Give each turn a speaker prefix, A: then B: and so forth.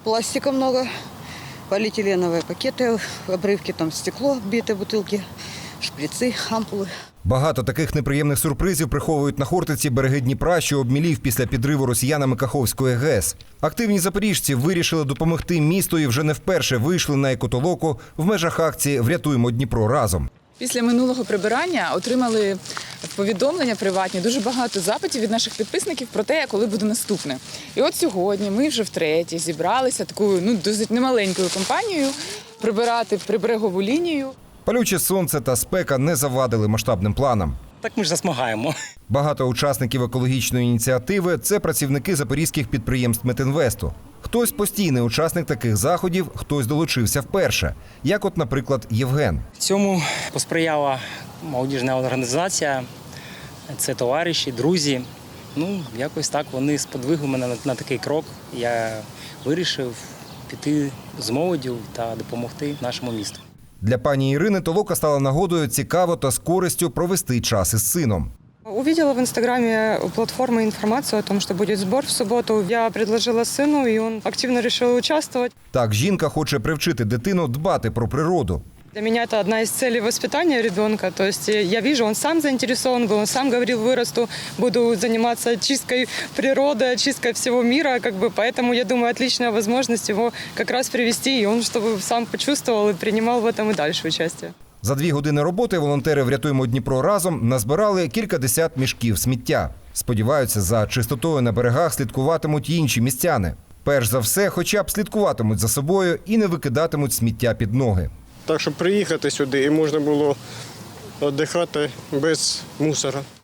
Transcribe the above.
A: пластика много, полиэтиленовые пакеты, обрывки, там стекло, битые бутылки, шприцы, ампулы.
B: Багато таких неприємних сюрпризів приховують на Хортиці береги Дніпра, що обмілів після підриву росіянами Каховської ГЕС. Активні запоріжці вирішили допомогти місту і вже не вперше вийшли на екотолоку в межах акції «Врятуємо Дніпро разом».
C: Після минулого прибирання отримали повідомлення приватні, дуже багато запитів від наших підписників про те, коли буде наступне. І от сьогодні ми вже втретє зібралися такою досить немаленькою компанією прибирати приберегову лінію.
B: Палюче сонце та спека не завадили масштабним планам.
D: Так ми ж засмагаємо.
B: Багато учасників екологічної ініціативи – це працівники запорізьких підприємств Метінвесту. Хтось постійний учасник таких заходів, хтось долучився вперше, як от, наприклад, Євген.
D: Цьому посприяла молодіжна організація, це товариші, друзі. Якось так вони сподвигли мене на такий крок. Я вирішив піти з молоддю та допомогти нашому місту.
B: Для пані Ірини толока стала нагодою цікаво та з користю провести час із сином.
E: Увидела в Инстаграме у платформы информацию о том, что будет сбор в субботу. Я предложила сыну, и он активно решил участвовать.
B: Так, жінка хоче привчити дитину дбати про природу.
E: Для меня это одна из целей воспитания ребенка. То есть я вижу, он сам заинтересован был, он сам говорил, вырасту, буду заниматься чисткой природы, чисткой всего мира. Поэтому, я думаю, отличная возможность его как раз привести, и он чтобы сам почувствовал и принимал в этом и дальше участие.
B: За 2 години роботи волонтери «Врятуємо Дніпро разом» назбирали кількадесят мішків сміття. Сподіваються, за чистотою на берегах слідкуватимуть й інші містяни. Перш за все, хоча б слідкуватимуть за собою і не викидатимуть сміття під ноги.
F: Так, щоб приїхати сюди і можна було відпочивати без мусора.